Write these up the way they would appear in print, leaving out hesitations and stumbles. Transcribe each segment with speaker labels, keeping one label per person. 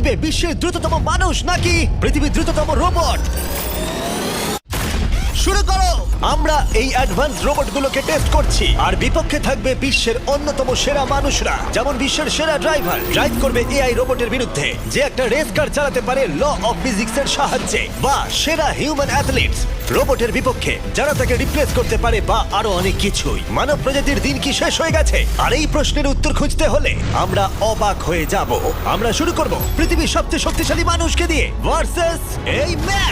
Speaker 1: থাকবে বিশ্বের দ্রুততম মানুষ নাকি পৃথিবীর দ্রুততম রোবট? শুরু করো। আমরা এই অ্যাডভান্স রোবটগুলোকে টেস্ট করছি আর বিপক্ষে থাকবে বিশ্বের অন্যতম সেরা মানুষরা, যেমন বিশ্বের সেরা ড্রাইভার ড্রাইভ করবে এআই রোবটের বিরুদ্ধে যে একটা রেস কার চালাতে পারে ল অফ ফিজিক্সের সাহায্যে, বা সেরা হিউম্যান অ্যাথলিটস রোবটের বিপক্ষে যারা তাকে রিপ্লেস করতে পারে, বা আরো অনেক কিছুই। মানব প্রজাতির দিন কি শেষ হয়ে গেছে? আর এই প্রশ্নের উত্তর খুঁজতে হলে আমরা অবাক হয়ে যাব। আমরা শুরু করব পৃথিবীর সবচেয়ে শক্তিশালী মানুষকে দিয়ে ভার্সেস এই ম্যাক।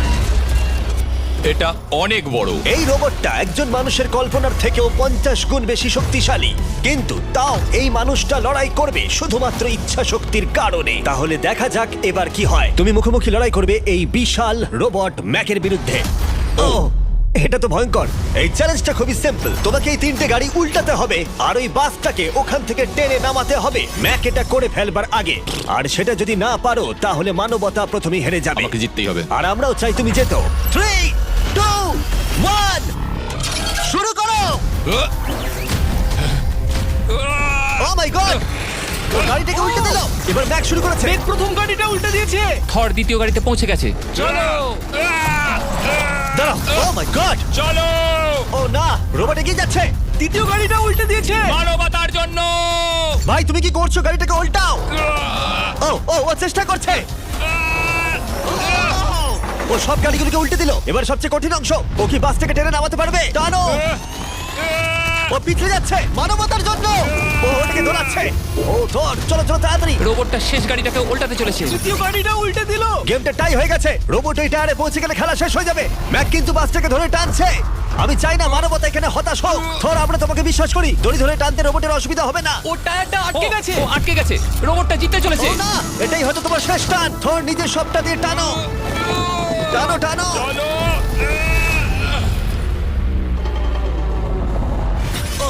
Speaker 2: এটা অনেক বড়।
Speaker 1: এই রোবটটা একজন মানুষের কল্পনার থেকেও 50 গুণ বেশি শক্তিশালী, কিন্তু তাও এই মানুষটা লড়াই করবে শুধুমাত্র ইচ্ছা শক্তির কারণে। তাহলে দেখা যাক এবার কি হয়। তুমি মুখোমুখি লড়াই করবে এই বিশাল রোবট ম্যাকের বিরুদ্ধে। ও, এটা তো ভয়ঙ্কর। এই চ্যালেঞ্জটা খুবই সিম্পল। তোমাকে এই 3টে গাড়ি উল্টাতে হবে আর ওই বাসটাকে ওখান থেকে টেনে নামাতে হবে ম্যাক এটা করে ফেলবার আগে। আর সেটা যদি না পারো তাহলে মানবতা প্রথমেই হেরে যাবে।
Speaker 2: আমাকে জিততেই হবে।
Speaker 1: আর আমরাও চাই তুমি যেতো। 3, 2, 1 শুরু করো। ও মাই গড, ও গাড়িটাকে উল্টে দিল। এবার ম্যাক শুরু করেছে।
Speaker 3: প্রথম গাড়িটা উল্টে দিয়েছে।
Speaker 4: থর দ্বিতীয় গাড়িতে পৌঁছে গেছে।
Speaker 2: চলো
Speaker 1: দাঁড়াও, ও মাই গড,
Speaker 2: চলো,
Speaker 1: ও না, রোবট এগিয়ে যাচ্ছে।
Speaker 3: দ্বিতীয় গাড়িটা উল্টে দিয়েছে।
Speaker 2: মানবতার জন্য।
Speaker 1: ভাই তুমি কি করছো? গাড়িটাকে উল্টাও। ও ও ও চেষ্টা করছে। ও সব গাড়িগুলোকে উল্টে দিল। এবার সবচেয়ে কঠিন অংশ, ও কি বাস থেকে টেনে নামাতে পারবে? টানো। ও পিছলে যাচ্ছে মানবতার জন্য। ও ওটাকে দোলাচ্ছে। ও ধর, চলো চলো তাড়াতাড়ি।
Speaker 4: রোবটটা শেষ গাড়িটাকে উল্টাতে চলেছে।
Speaker 3: তৃতীয় গাড়িটা উল্টে দিল।
Speaker 1: গেমটা টাই হয়ে গেছে। রোবট ওই টায়ারে পৌঁছে গেলে খেলা শেষ হয়ে যাবে। ম্যাক কিন্তু বাসটাকে ধরে টানছে। আমি চাই না মানবতা এখানে হতাশ হোক। থর, আমরা তোমাকে বিশ্বাস করি। দড়ি ধরে টানতে রোবটের অসুবিধা হবে না।
Speaker 3: ও টায়ারটা আটকে গেছে।
Speaker 4: ও আটকে গেছে। রোবটটা জিততে চলেছে।
Speaker 1: ও না, এটাই হয়তো তোমার শেষ টান। থর নিজের সবটা দিয়ে টানো, টানো টানো।
Speaker 2: চলো।
Speaker 1: ও,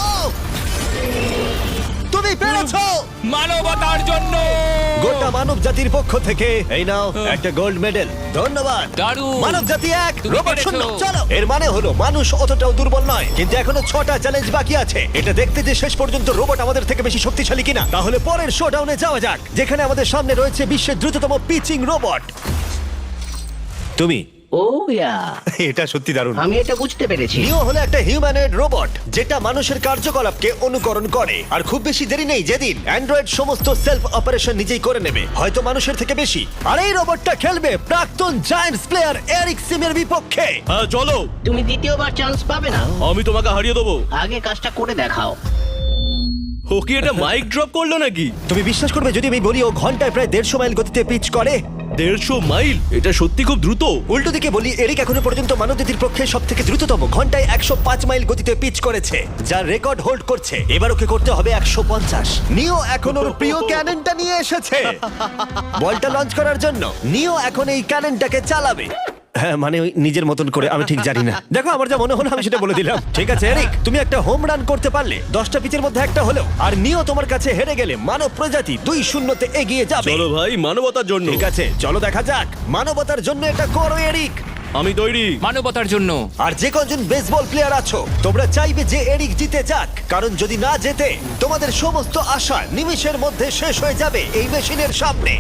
Speaker 1: তুমি পেরেছো।
Speaker 2: মানবতার জন্য।
Speaker 1: গোটা মানব জাতির পক্ষ থেকে এই নাও একটা গোল্ড মেডেল। ধন্যবাদ।
Speaker 4: দারুণ।
Speaker 1: মানব জাতি 1,
Speaker 4: তুমি
Speaker 1: রোবট
Speaker 4: পেরেছো।
Speaker 1: 0। চলো, এর মানে হলো মানুষ অতটাও দুর্বল নয়, কিন্তু এখনো 6টা চ্যালেঞ্জ বাকি আছে। এটা দেখতে যে শেষ পর্যন্ত রোবট আমাদের থেকে বেশি শক্তিশালী কিনা। তাহলে পরের শোডাউনে যাওয়া যাক, যেখানে আমাদের সামনে রয়েছে বিশ্বের দ্রুততম পিচিং রোবট। তুমি
Speaker 5: ও ইয়া,
Speaker 1: এটা সত্যি দারুণ।
Speaker 5: আমি এটা বুঝতে পেরেছি।
Speaker 1: নিও হলো একটা হিউম্যানয়েড রোবট যেটা মানুষের কার্যকলাপকে অনুকরণ করে। আর খুব বেশি দেরি নেই, যেদিন অ্যান্ড্রয়েড সমস্ত সেলফ অপারেশন নিজেই করে নেবে, হয়তো মানুষের থেকে বেশি। আর এই রোবটটা খেলবে প্রাক্তন জায়ান্টস প্লেয়ার এরিক সিমের বিপক্ষে।
Speaker 6: হ্যাঁ চলো,
Speaker 5: তুমি দ্বিতীয়বার চান্স পাবে না।
Speaker 6: আমি তোমাকে হারিয়ে দেবো।
Speaker 5: আগে কাজটা করে দেখাও।
Speaker 6: ও কি এটা মাইক ড্রপ করলো নাকি?
Speaker 1: তুমি বিশ্বাস করবে যদি আমি বলি ও ঘন্টায় প্রায় 150 মাইল গতিতে পিচ করে?
Speaker 6: 150 মাইল? এটা সত্যি খুব দ্রুত।
Speaker 1: উল্টো দিকে বলি, এরিক এখনো পর্যন্ত মানবজাতির পক্ষে সব থেকে দ্রুততম ঘন্টায় 105 মাইল গতিতে পিচ করেছে, যার রেকর্ড হোল্ড করছে। এবার ওকে করতে হবে 150। নিও এখন ওর প্রিয় ক্যাননটা নিয়ে এসেছে বলটা লঞ্চ করার জন্য। নিও এখন এই ক্যাননটাকে চালাবে। হ্যাঁ, মানে ওই নিজের মতন করে, আমি ঠিক জানি না। দেখো, আমার যা মনে হলো আমি সেটা বলে দিলাম। ঠিক আছে এরিক, তুমি একটা হোম রান করতে পারলে 10টা পিচের মধ্যে একটা হলেও। আর নিও তোমার কাছে হেরে গেলে মানব প্রজাতি 2-0 এগিয়ে যাবে।
Speaker 6: চলো ভাই, মানবতার জন্য।
Speaker 1: ঠিক আছে, চলো দেখা যাক। মানবতার জন্য এটা করো এরিক।
Speaker 6: আমি তৈরি।
Speaker 4: মানবতার জন্য।
Speaker 1: আর যে কজন বেসবল প্লেয়ার আছো, তোমরা চাইবে যে এরিক জিতে যাক, কারণ যদি না জেতে তোমাদের সমস্ত আশা নিমিষের মধ্যে শেষ হয়ে যাবে এই মেশিনের সামনে।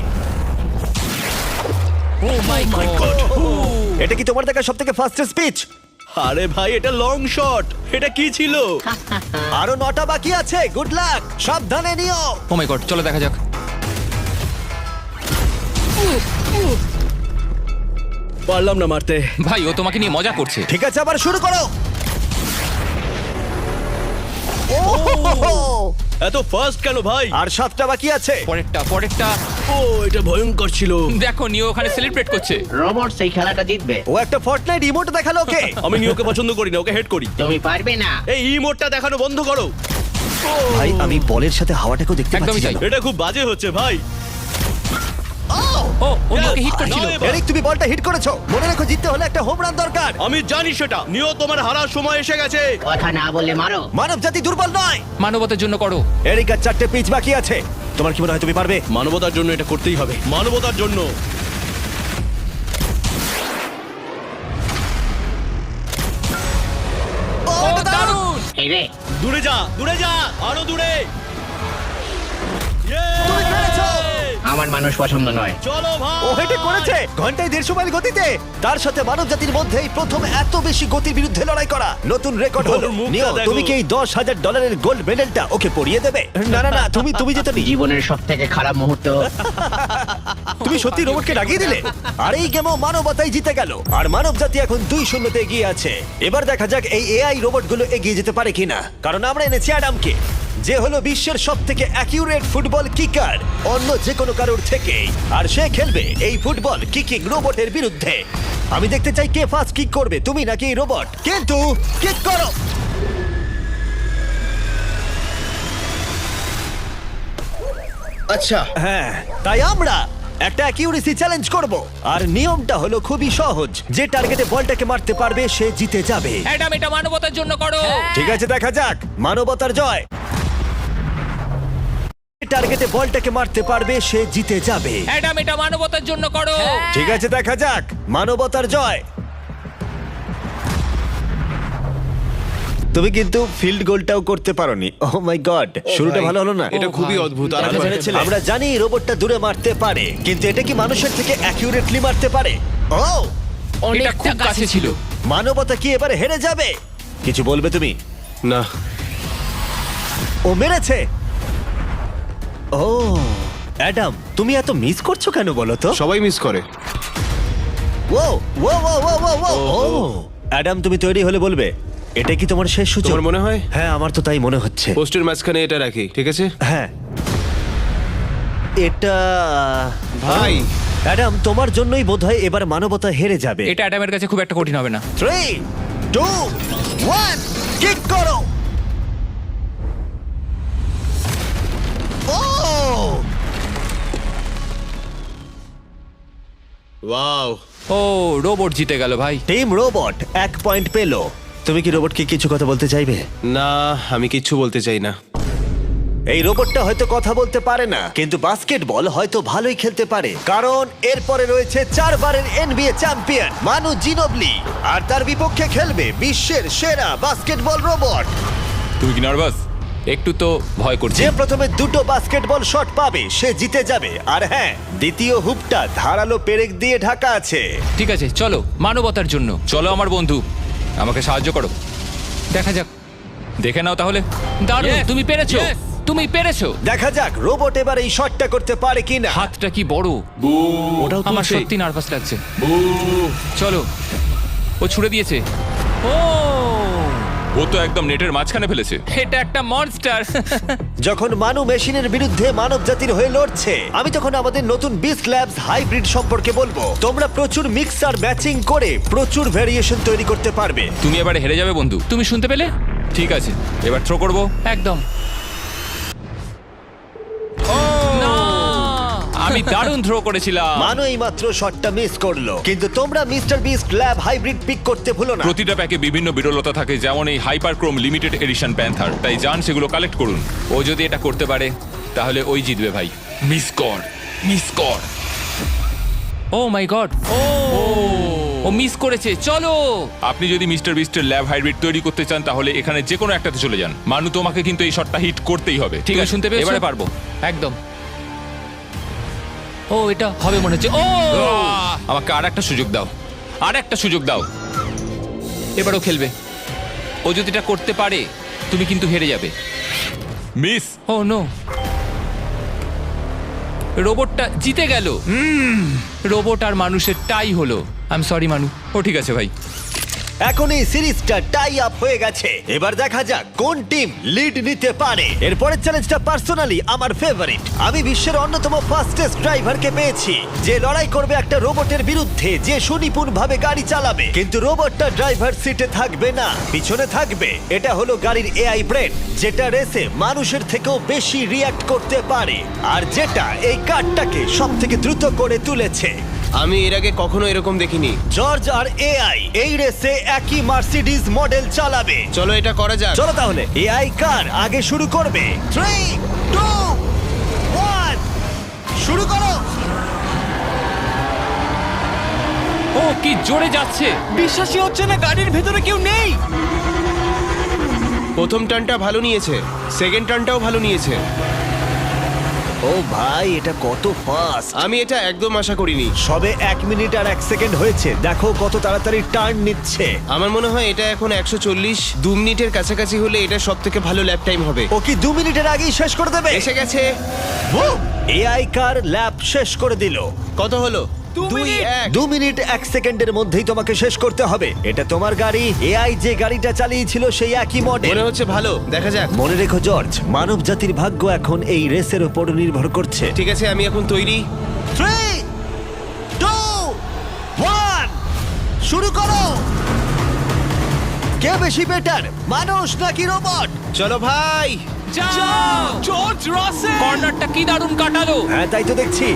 Speaker 4: Oh my god.
Speaker 1: এটা কি তোমার দেখা সবথেকে ফাস্টেস্ট পিচ?
Speaker 6: আরে ভাই, এটা লং শট। এটা কি ছিল?
Speaker 1: আরো 9টা বাকি আছে। গুড লাক, সাবধানে নিও।
Speaker 4: ও মাই গড, চলো দেখা যাক।
Speaker 6: পারলাম না মারতে।
Speaker 4: ভাই, ও তোমাকে নিয়ে মজা করছে।
Speaker 1: ঠিক আছে, আবার শুরু করো।
Speaker 6: এত ফাস্ট কেন ভাই?
Speaker 1: আর 7টা বাকি আছে।
Speaker 4: পরেরটা।
Speaker 6: ও, এটা ভয়ঙ্কর ছিল।
Speaker 4: দেখো, নিও ওখানে সেলিব্রেট করছে।
Speaker 5: রোবট সেই খেলাটা জিতবে।
Speaker 1: ও একটা ফর্টনাইট ইমোট দেখালো ওকে।
Speaker 6: আমি নিয়োকে পছন্দ করি না, ওকে হেড করি।
Speaker 5: তুমি পারবে না।
Speaker 6: এই ইমোটটা দেখানো বন্ধ করো।
Speaker 1: ভাই, আমি বলের সাথে হাওয়াটাকেও দেখতে
Speaker 4: একদমই
Speaker 1: পাচ্ছি।
Speaker 4: তাই।
Speaker 6: এটা খুব বাজে হচ্ছে ভাই।
Speaker 4: ও নিওকে হিট করছিল।
Speaker 6: নাও এবার।
Speaker 1: এরিক, তুমি বলটা হিট করেছো। মনে রেখো, জিততে হলে একটা হোম রান দরকার।
Speaker 6: আমি জানি সেটা। নিও, তোমার হারার সময় এসে গেছে।
Speaker 5: কথা না বললে মারো।
Speaker 1: মানব জাতি দুর্বল নয়।
Speaker 4: মানবতার জন্য করো।
Speaker 1: এরিক, আর 4টে পিচ বাকি আছে। তোমার কি মনে হয় তুমি পারবে?
Speaker 6: মানবতার জন্য এটা করতেই হবে। মানবতার জন্য।
Speaker 1: ও, এটা দারুণ।
Speaker 5: এই রে,
Speaker 6: দূরে যা, দূরে যা, আরো দূরে।
Speaker 1: তুমি পেরেছো।
Speaker 5: আমার মানুষ পছন্দ নয়।
Speaker 6: চলো ভাই।
Speaker 1: ও হেটে করেছে ঘন্টায় 150 মাইল গতিতে। তার সাথে মানব জাতির মধ্যেই প্রথম এত বেশি গতির বিরুদ্ধে লড়াই করা নতুন রেকর্ড হলো।
Speaker 6: ওর মুখটা
Speaker 1: নিও,
Speaker 6: দেখো।
Speaker 1: তুমি কি এই $10,000 গোল্ড মেডেলটা ওকে পরিয়ে দেবে? না না না, তুমি যেতে নি।
Speaker 5: জীবনের সব থেকে খারাপ মুহূর্ত।
Speaker 1: তুমি সত্যি রোবটকে ডাকিয়ে দিলে। আর এই গেমও মানবতাই জিতে গেল, আর মানব জাতি এখন 2-0 এগিয়ে আছে। এবার দেখা যাক এই এআই রোবটগুলো এগিয়ে যেতে পারে কিনা, কারণ আমরা এনেছি অ্যাডামকে, যে হলো বিশ্বের সব থেকে অ্যাকিউরেট ফুটবল কিকার অন্য যে কোনো কারোর থেকে। আর সে খেলবে এই ফুটবল কিকিং রোবটের বিরুদ্ধে। আমি দেখতে চাই কে ফার্স্ট কিক করবে, তুমি নাকি এই রোবট। কিন্তু কিক করো।
Speaker 7: আচ্ছা,
Speaker 1: হ্যাঁ, তাই আমরা একটা অ্যাকিউরেসি চ্যালেঞ্জ করব। আর নিয়মটা হলো খুবই সহজ, যে টার্গেটে বলটাকে মারতে পারবে সে জিতে যাবে।
Speaker 4: অ্যাডাম, এটা মানবতার জন্য করো।
Speaker 1: ঠিক আছে, দেখা যাক মানবতার জয়। টার্গেটে বলটাকে মারতে পারবে সে জিতে যাবে।
Speaker 4: অ্যাডাম, এটা মানবতার জন্য করো।
Speaker 1: ঠিক আছে, দেখা যাক মানবতার জয়। তুমি কিন্তু ফিল্ড গোলটাও করতে পারোনি। ওহ মাই গড, শুরুটা ভালো হলো না।
Speaker 6: এটা খুবই অদ্ভুত। আর
Speaker 1: আমরা জেনেছিলাম, আমরা জানি রোবটটা দূরে মারতে পারে, কিন্তু এটা কি মানুষের থেকে অ্যাকিউরেটলি মারতে পারে? ও,
Speaker 4: এটা খুব কাছে ছিল।
Speaker 1: মানবতা কি এবারে হেরে যাবে? কিছু বলবে তুমি?
Speaker 7: না,
Speaker 1: ও মেরেছে। ও অ্যাডাম, তুমি এত মিস করছো কেন বলো তো?
Speaker 7: সবাই মিস করে।
Speaker 1: ও ও ও ও ও ও ও অ্যাডাম, তুমি তৈরি হলে বলবে। এটা কি তোমার শেষ সুযোগ?
Speaker 7: তোমার মনে হয়?
Speaker 1: হ্যাঁ, আমার তো তাই মনে হচ্ছে।
Speaker 7: পোস্টের মাঝখানে এটা রাখি, ঠিক আছে?
Speaker 1: হ্যাঁ, এটা
Speaker 7: ভাই।
Speaker 1: অ্যাডাম, তোমার জন্যই বোধহয় এবার মানবতা হেরে যাবে।
Speaker 4: এটা অ্যাডামের কাছে খুব একটা কঠিন হবে না।
Speaker 1: 3, 2, 1, কিক করো। ও
Speaker 7: ওয়াও।
Speaker 4: ও, রোবট জিতে গেল ভাই।
Speaker 1: টিম রোবট 1 পয়েন্ট পেলো। তুমি কি রোবটকে কিছু কথা বলতে চাইবে?
Speaker 7: না, আমি কিচ্ছু বলতে চাই না।
Speaker 1: এই রোবটটা হয়তো কথা বলতে পারে না, কিন্তু বাস্কেটবল হয়তো ভালোই খেলতে পারে, কারণ এরপরে রয়েছে 4 বারের NBA চ্যাম্পিয়ন মানু জিনোবলি, আর তার বিপক্ষে খেলবে বিশ্বের সেরা বাস্কেটবল রোবট।
Speaker 4: তুমি কি নার্ভাস? একটু তো ভয় করছে।
Speaker 1: যে প্রথমে 2টো বাস্কেটবল শট পাবে সে জিতে যাবে। আর হ্যাঁ, দ্বিতীয় হুপটা ধারালো পেরেক দিয়ে ঢাকা আছে।
Speaker 4: ঠিক আছে, চলো মানবতার জন্য। চলো আমার বন্ধু, আমাকে সাহায্য করো। দেখা যাক, দেখে নাও তাহলে। দারুণ,
Speaker 2: Yes,
Speaker 4: তুমি পেরেছো।
Speaker 2: yes.
Speaker 4: তুমি পেরেছো।
Speaker 1: দেখা যাক রোবট এবার এই শটটা করতে পারে কিনা।
Speaker 4: হাতটা কি বড়।
Speaker 1: ওটাও
Speaker 4: আমার
Speaker 1: তুলছে।
Speaker 4: সত্যি নার্ভাস লাগছে। চলো, ও ছুড়ে দিয়েছে। ও,
Speaker 2: ও তো একদম নেটের মাঝখানে ফেলেছে।
Speaker 4: এটা একটা মনস্টার।
Speaker 1: যখন মানু মেশিনের বিরুদ্ধে মানব জাতির হয়ে লড়ছে, আমি তখন আমাদের নতুন বিস্ট ল্যাবস হাইব্রিড সম্পর্কে বলবো। তোমরা প্রচুর মিক্সার ম্যাচিং করে প্রচুর ভেরিয়েশন তৈরি করতে পারবে।
Speaker 2: তুমি এবারে হেরে যাবে বন্ধু।
Speaker 4: তুমি শুনতে পেলে?
Speaker 2: ঠিক আছে, এবার থ্রো করবো।
Speaker 4: একদম না। আমি দারুণ থ্রো করেছিলাম।
Speaker 1: মানু এই মাত্র শটটা মিস করলো, কিন্তু তোমরা Mister Beast lab hybrid pick করতে ভুলো না।
Speaker 2: প্রতিটা প্যাকে বিভিন্ন বিরলতা থাকে, যেমন এই হাইপারক্রোম লিমিটেড এডিশন প্যান্থার। তাই যান সেগুলো কালেক্ট করুন।
Speaker 4: ও যদি এটা করতে পারে তাহলে ওই জিতবে ভাই।
Speaker 2: মিস কর, মিস কর।
Speaker 4: ও মাই গড, ও মিস করেছে। চলো,
Speaker 2: আপনি যদি মিস্টার বিস্টের ল্যাব হাইব্রিড তৈরি করতে চান তাহলে এখানে যে কোনো একটাতে চলে যান। মানু, তোমাকে কিন্তু এই শটটা হিট করতেই হবে।
Speaker 4: ঠিক আছে, শুনতে পেয়েছো?
Speaker 2: এবারে পারবো।
Speaker 4: একদম। ও, এটা হবে মনে হচ্ছে। ও,
Speaker 2: আমাকে আর একটা সুযোগ দাও, আর একটা সুযোগ দাও।
Speaker 4: এবারও খেলবে। ও যদি এটা করতে পারে তুমি কিন্তু হেরে যাবে।
Speaker 2: মিস।
Speaker 4: ও নো, রোবটটা জিতে গেল। রোবট আর মানুষের টাই হলো। আই এম সরি মানু।
Speaker 2: ও ঠিক আছে ভাই।
Speaker 1: এখন এই সিরিজটা টাই আপ হয়ে গেছে। এবার দেখা যাক কোন টিম লিড নিতে পারে। এরপরের চ্যালেঞ্জটা পার্সোনালি আমার ফেভারিট। আমি বিশ্বের অন্যতম ফাস্টেস্ট ড্রাইভারকে পেয়েছি, যে লড়াই করবে একটা রোবটের বিরুদ্ধে, যে সুনিপুণভাবে গাড়ি চালাবে। কিন্তু রোবটটা ড্রাইভার সিটে থাকবে না, পিছনে থাকবে। এটা হলো গাড়ির এআই ব্রেন, যেটা রেসে মানুষের থেকেও বেশি রিয়্যাক্ট করতে পারে, আর যেটা এই কারটাকে সবথেকে দ্রুত করে তুলেছে।
Speaker 7: আমি এর আগে কখনো এরকম দেখিনি।
Speaker 1: জর্জ আর এআই এই রেসে একই মার্সিডিজ মডেল চালাবে।
Speaker 7: চলো এটা করা যাক।
Speaker 1: চলো তাহলে এআই কার আগে শুরু করবে। 3, 2, 1, শুরু করো।
Speaker 4: ও কি জোরে যাচ্ছে।
Speaker 3: বিশ্বাসই হচ্ছে না গাড়ির ভেতরে কেউ নেই।
Speaker 7: প্রথম টার্নটা ভালো নিয়েছে, সেকেন্ড টার্নটাও ভালো নিয়েছে। ও
Speaker 1: ও ভাই এটা কত ফাস্ট!
Speaker 7: আমি এটা একদম আশা করিনি।
Speaker 1: সবে 1 মিনিট আর 1 সেকেন্ড হয়েছে, দেখো কত তাড়াতাড়ি টার্ন নিচ্ছে।
Speaker 7: আমার মনে হয় এটা এখন 140 2 মিনিটের কাছাকাছি হলে এটা সব থেকে ভালো ল্যাপ টাইম হবে।
Speaker 1: ও কি 2 মিনিটের আগেই শেষ করে দেবে?
Speaker 7: এসে গেছে।
Speaker 1: এআই কার ল্যাব শেষ করে দিল।
Speaker 7: কত হলো?
Speaker 3: 2 মিনিট।
Speaker 1: 2 মিনিট 1 সেকেন্ডের মধ্যেই তোমাকে শেষ করতে হবে। এটা তোমার গাড়ি, এআই যে গাড়িটা চালিয়েছিল সেই একই মডেল।
Speaker 7: মনে হচ্ছে ভালো, দেখা যাক।
Speaker 1: মনে রেখো জর্জ, মানব জাতির ভাগ্য এখন এই রেসের উপর নির্ভর করছে।
Speaker 7: ঠিক আছে, আমি এখন তৈরি।
Speaker 1: 3 2 1 শুরু করো। কে বেশি বেটার, মানুষ নাকি রোবট?
Speaker 7: চলো ভাই।
Speaker 4: যাও
Speaker 3: জর্জ রাসেল!
Speaker 4: কর্নারটা কি দারুণ কাটালো।
Speaker 1: হ্যাঁ তাই তো দেখছি।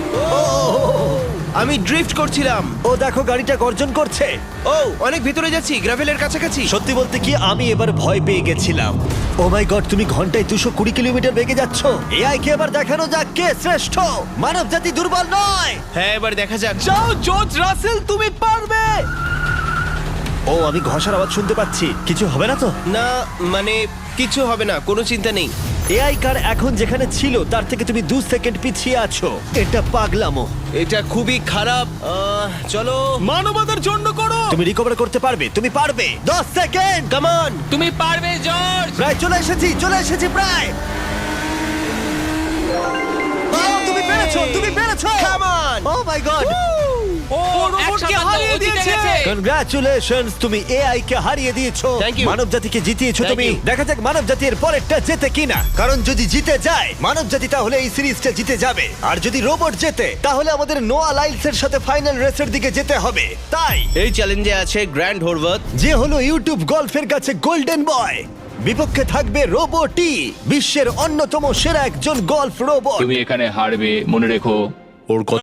Speaker 7: আমি ড্রিফট করছিলাম।
Speaker 1: ও দেখো গাড়িটা গর্জন করছে।
Speaker 7: ও অনেক ভিতরে যাচ্ছি, গ্রাভেলের কাছাকাছি।
Speaker 1: সত্যি বলতে কি আমি এবার ভয় পেয়ে গেছিলাম। ও মাই গড, তুমি ঘন্টায় 220 কিলোমিটার বেগে যাচ্ছ। এআই কে এবার দেখানো যাক কে শ্রেষ্ঠ। মানব জাতি দুর্বল নয়।
Speaker 7: হ্যাঁ, এবার দেখা যাক।
Speaker 3: যাও জর্জ রাসেল, তুমি পারবে!
Speaker 1: ও আমি ঘষার আওয়াজ শুনতে পাচ্ছি, কিছু হবে না তো?
Speaker 7: না মানে কিছু হবে না, কোনো চিন্তা নেই।
Speaker 1: এআই কার এখন যেখানে ছিল তার থেকে তুমি 2 সেকেন্ড পিছিয়ে আছো। এটা পাগলামো।
Speaker 7: এটা খুবই খারাপ। চলো।
Speaker 3: মানবতার জন্য করো!
Speaker 1: তুমি রিকভার করতে পারবে, তুমি পারবে। 10 সেকেন্ড।
Speaker 7: Come on.
Speaker 4: তুমি পারবে জর্জ।
Speaker 1: প্রায় চলে এসেছি প্রায়। ও, তুমি পেরেছো, তুমি পেরেছো।
Speaker 7: Come on.
Speaker 1: O my god,
Speaker 4: ও
Speaker 3: রোবটকে হারিয়ে দিয়েছে।
Speaker 1: কনগ্রাচুলেশনস, তুমি এআই কে হারিয়ে দিয়েছো।
Speaker 7: Thank you.
Speaker 1: মানব জাতিকে জিতিয়েছো
Speaker 7: Thank
Speaker 1: তুমি।
Speaker 7: you.
Speaker 1: দেখা যাক মানব জাতির পরেরটা জেতে কিনা, কারণ যদি জিতে যায় মানব জাতি তাহলে এই সিরিজটা জিতে যাবে, আর যদি রোবট জেতে তাহলে আমাদের নোয়া লাইলসের সাথে ফাইনাল রেসের দিকে যেতে হবে। তাই
Speaker 7: এই চ্যালেঞ্জে আছে গ্র্যান্ড হোরভাত।
Speaker 1: যে হলো ইউটিউব গল্ফের কাছে গোল্ডেন বয়, বিপক্ষে থাকবে রোবটই, বিশ্বের অন্যতম সেরা একজন গল্ফ রোবট।
Speaker 4: তুমি এখানে হারবে, মনে রেখো।
Speaker 1: ওর